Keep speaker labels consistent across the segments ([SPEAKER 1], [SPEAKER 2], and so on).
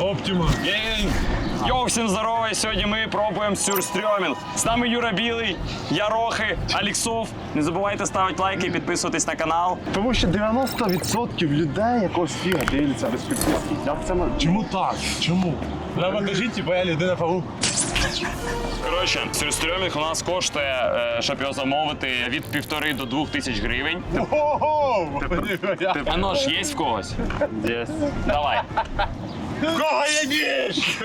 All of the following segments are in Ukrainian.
[SPEAKER 1] Оптима.
[SPEAKER 2] Йоу, всім здорово! І сьогодні ми пробуємо сюрстрьомінг. З нами Юра Білий, я Рохи, Аліксов. Не забувайте ставити лайки і підписуватись на канал.
[SPEAKER 3] Тому що 90% людей якогось фіга дивляться без підписки. Як це можна?
[SPEAKER 1] Чому так? Чому? Треба кажіть, типа я людина павук.
[SPEAKER 2] Коротше, сюрстрьомінг у нас коштує, щоб його замовити, від 1,5 до 2 тисяч гривень.
[SPEAKER 1] Ого!
[SPEAKER 2] А нож є в когось?
[SPEAKER 3] Є.
[SPEAKER 2] Давай.
[SPEAKER 1] В кого є ніж?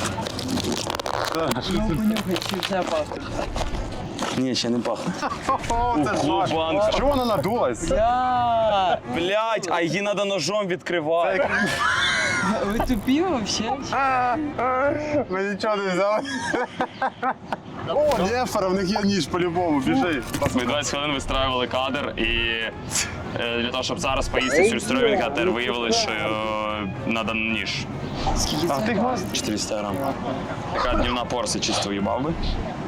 [SPEAKER 2] Ні, ще не пахне.
[SPEAKER 3] О, це ж наш.
[SPEAKER 2] Банка.
[SPEAKER 3] Чого вона надулась?
[SPEAKER 2] Блять, а її треба ножом відкривати.
[SPEAKER 4] Вы тупи вообще?
[SPEAKER 3] Ми нічого не взяли. О, Нефера, в них є ніж по-любому, біжи.
[SPEAKER 2] Ми 20 хвилин вистраювали кадр і для того, щоб зараз поїсти сюрстрьомінг, а тепер виявили, що треба ніж.
[SPEAKER 4] Скільки
[SPEAKER 3] А
[SPEAKER 4] це?
[SPEAKER 3] ти гвоздь?
[SPEAKER 2] 400 грам. Така днівна порція чисто їбав би.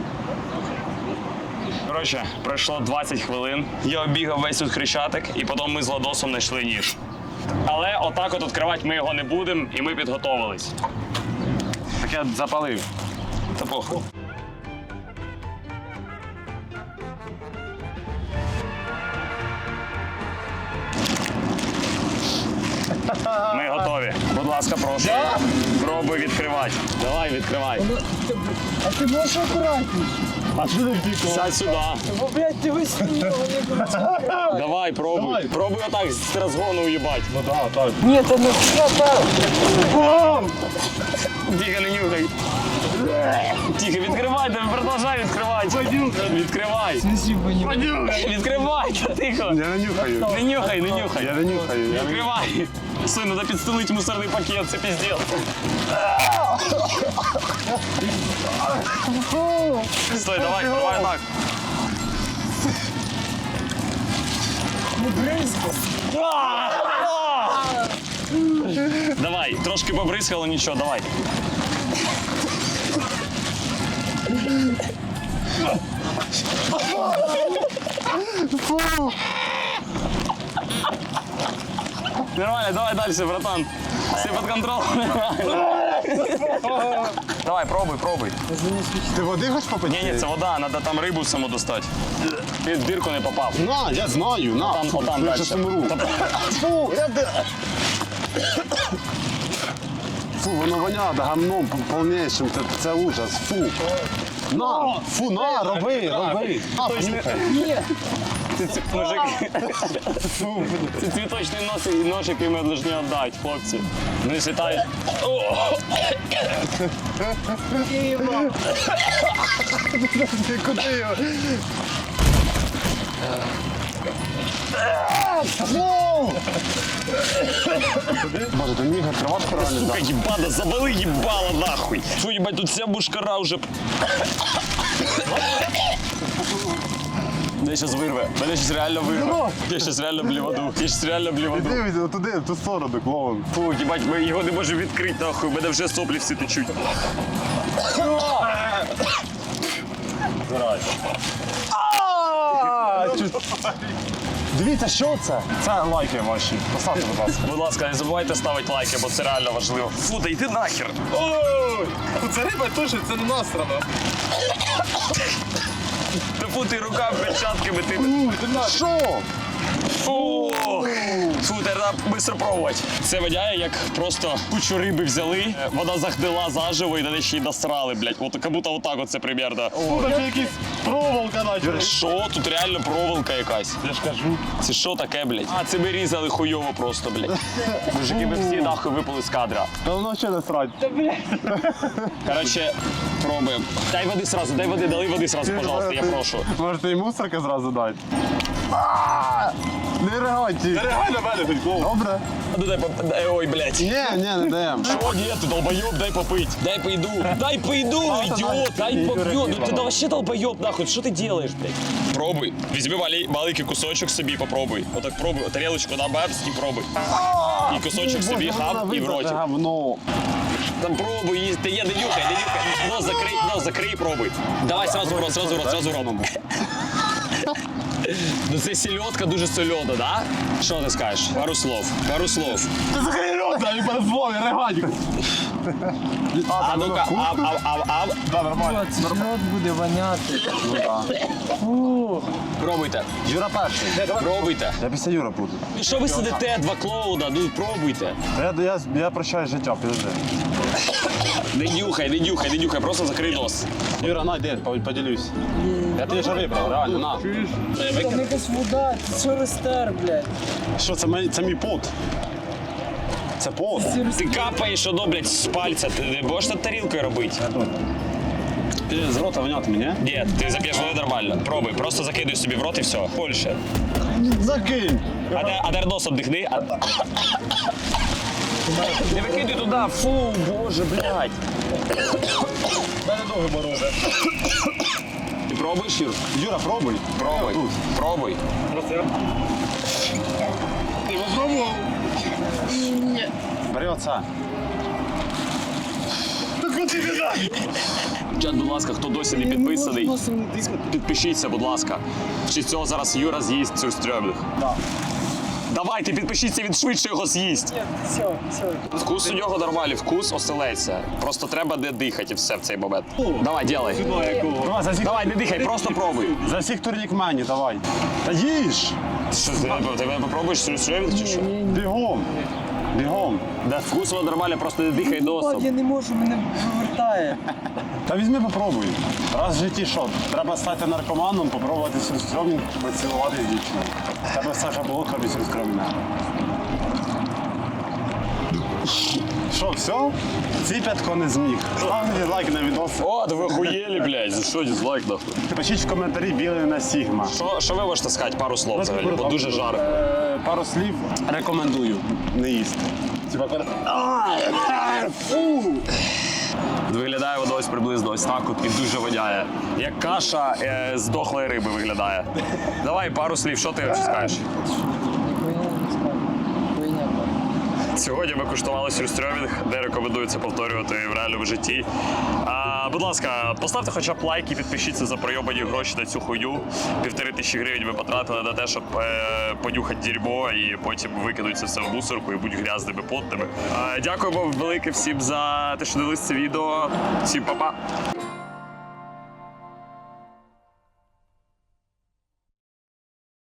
[SPEAKER 2] Коротше, пройшло 20 хвилин. Я обігав весь тут Хрещатик, і потім ми з Ладосом знайшли ніж. Але отак от відкривати ми його не будемо, і ми підготовились.
[SPEAKER 3] Так я запалив.
[SPEAKER 2] Та похуй. Ми готові. Будь ласка, прошу. Пробуй відкривати. Давай, відкривай.
[SPEAKER 4] А ти можеш акуратніше?
[SPEAKER 1] А що ти пікав?
[SPEAKER 2] Сядь сюди.
[SPEAKER 4] Бо, блядь, ти висунув.
[SPEAKER 2] Давай, пробуй.
[SPEAKER 1] Давай.
[SPEAKER 2] Пробуй отак з розгону уїбать.
[SPEAKER 1] Ну так, так.
[SPEAKER 4] Ні, це не так.
[SPEAKER 2] Тихо, не нюхай. Тихо, відкривай, продовжай відкривати. Відкривай. Відкривай, тихо.
[SPEAKER 3] Я не нюхаю.
[SPEAKER 2] Не нюхай, не нюхай.
[SPEAKER 3] Я не нюхаю. Я не...
[SPEAKER 2] Відкривай. Стой, треба підстелити мусорний пакет, це піздець. Стой, давай, давай так. Давай, трошки побризкало, нічого, давай. Нормально, давай дальше, братан. Все под контролем. Давай, пробуй, пробуй.
[SPEAKER 3] Ти води хоч попити?
[SPEAKER 2] Ні, це вода, треба там рибу саму достати. Ти в дірку не попав.
[SPEAKER 3] На, я знаю, на.
[SPEAKER 2] Там,
[SPEAKER 3] Фу,
[SPEAKER 2] отам
[SPEAKER 3] я
[SPEAKER 2] дальше.
[SPEAKER 3] щас умру. Фу, Фу, воно воняє гамном повнішим, це ужас, фу. На, фу, на, роби. На, понюхай.
[SPEAKER 2] Це мужик. Це цвіточний нож, який ми повинні віддати, хлопці. Не світай.
[SPEAKER 3] Ти куди його? Боже, ти міг відкривати реально?
[SPEAKER 2] Сука, їбана, завали їбало нахуй. Фу, їбать, тут вся бушкара вже. Мене щас вирве. Мене щас реально вирве. Я щас реально бліваду. Я щас реально бліваду.
[SPEAKER 3] Дивись, отуди, в ту сторону, клоун.
[SPEAKER 2] Фу, їбать, ми його не можемо відкрити, нахуй. У мене вже соплі всі течуть.
[SPEAKER 3] Дивіться, що це? Це лайки ваші. Поставте, будь ласка.
[SPEAKER 2] Будь ласка, не забувайте ставити лайки, бо це реально важливо. Фу, да йди нахер.
[SPEAKER 1] Ой! Це риба тушить, це не насрано.
[SPEAKER 2] Та фу, ти рука перчатками, ти...
[SPEAKER 3] Що?
[SPEAKER 2] Фу! Фу, треба швидко пробувати. Це водяє, як просто кучу риби взяли, вода захдила заживо і далі ще й насрали, блядь. От, як будто отак от це примерно.
[SPEAKER 1] Тут ще якийсь проволока наче.
[SPEAKER 2] Що? Тут реально проволока якась.
[SPEAKER 1] Я ж кажу.
[SPEAKER 2] Це що таке, блядь? А, це ми різали хуйово просто, блядь. Мужики, ми всі нахуй випали з кадра.
[SPEAKER 3] Та воно ще не срать.
[SPEAKER 2] Коротше, пробуємо. Дай води сразу, дай води, дали води сразу, пожалуйста, я прошу.
[SPEAKER 3] Можете і мусорка зразу дати. Не реагуйте.
[SPEAKER 1] Реагуй на мене, хоч клоун.
[SPEAKER 3] Добре?
[SPEAKER 2] А ну ой, блядь.
[SPEAKER 3] Ні, не даємо.
[SPEAKER 2] О, ні, ти долбойоб, дай попить. Дай пойду. Дай пойду, идиот. Дай попью. Ну ти вообще долбойоб, нахуй. Що ти делаешь, блядь? Пробуй. Візьми маленький кусочок собі, попробуй. Отак пробуй. Тарелочку на бабс і пробуй. І кусочок собі хап і в роті.
[SPEAKER 3] Говно.
[SPEAKER 2] Там пробуй, їсти. Ти є, не нюхай, не нюхай. Нос закрий, пробуй. Давай сразу в рот, сразу в рот, сразу в рот. Ну це сільодка дуже сольода, да? Що ти скажеш? Пару слов.
[SPEAKER 1] Ти закрий рот, а не перезвони, регатик.
[SPEAKER 2] А ну-ка, ав.
[SPEAKER 3] Да, нормально.
[SPEAKER 4] Це ж рот буде воняти. Фу.
[SPEAKER 2] Пробуйте.
[SPEAKER 3] Юра перший.
[SPEAKER 2] Пробуйте.
[SPEAKER 3] Я після Юра буду.
[SPEAKER 2] Ну що ви сидите, два клоуна, ну пробуйте.
[SPEAKER 3] Я прощаю життя, підожди.
[SPEAKER 2] Не нюхай, просто закрий нос.
[SPEAKER 3] Юра, на, йди, поділюсь. Я тобі вже вибрав, реально, на.
[SPEAKER 4] Там якась вода, це що рестер, блядь.
[SPEAKER 3] Що, це мій пот? Це пот.
[SPEAKER 2] Ти капаєш, воно, блядь, з пальця. Ти не можеш над тарілкою робити?
[SPEAKER 3] З рота воняти мені?
[SPEAKER 2] Ні, ти зап'єш воду нормально. Пробуй, просто закидуй собі в рот і все. Більше.
[SPEAKER 3] Закинь.
[SPEAKER 2] А тепер носом дихни. Не викидуй туди, фу, боже, блядь.
[SPEAKER 1] Мене ноги морози.
[SPEAKER 2] Ти пробуєш, Юр?
[SPEAKER 3] Юра, пробуй.
[SPEAKER 2] Пробуй,
[SPEAKER 3] Тут.
[SPEAKER 2] пробуй.
[SPEAKER 1] Ти попробував?
[SPEAKER 3] Бери оце.
[SPEAKER 2] Чат, будь ласка, хто досі не підписаний, підпишіться, будь ласка. Чи цього зараз Юра з'їсть цю стрьомних?
[SPEAKER 3] Да.
[SPEAKER 2] Давайте, підпишіться, він швидше його з'їсть.
[SPEAKER 4] Все, все.
[SPEAKER 2] Вкус у нього нормальний, вкус оселедця. Просто треба не дихати і все в цей момент. Давай, ділай.
[SPEAKER 3] Давай, за всіх,
[SPEAKER 2] Давай, не дихай, просто пробуй.
[SPEAKER 3] за всіх турнік мені, давай. Та їж.
[SPEAKER 2] Що, ти мене попробуєш стрьомних чи що?
[SPEAKER 3] Бігом. Бігом.
[SPEAKER 2] Да, вкус воно нормально, просто не дихай
[SPEAKER 4] Бать,
[SPEAKER 2] носом.
[SPEAKER 4] я не можу, мене вивертає.
[SPEAKER 3] Та візьми, попробуй. Раз в житті що? Треба стати наркоманом, попробувати сюрстромінг, поцілувати з дівчиною. Тебе Саша Болотка без сюрстромінга. Що, все? Ціп'ятко не зміг. Ставте лайк на відос.
[SPEAKER 2] О, да ви охуєлі, блядь, за що дизлайк нахуй?
[SPEAKER 3] Пишіть в коментарі білий на Сігма.
[SPEAKER 2] Що ви можете сказати, пару слов взагалі, бо дуже жарко.
[SPEAKER 3] Пару слів рекомендую не їсти.
[SPEAKER 2] Виглядає воно ось приблизно ось так от і дуже воняє. Як каша з дохлої риби виглядає. Давай пару слів, що ти скажеш?
[SPEAKER 4] Хуйня не скажу. Хуйня.
[SPEAKER 2] Сьогодні ми куштували сюрстрьомінг, де рекомендується повторювати в реальному житті. Будь ласка, поставте хоча б лайк і підпишіться за пройобані гроші на цю хуйню. 1500 гривень ми потратили на те, щоб понюхати дерьмо і потім викинути це все в мусорку і будь грязними, потними. Дякуємо велике всім за те, що дивились це відео. Всім па-па!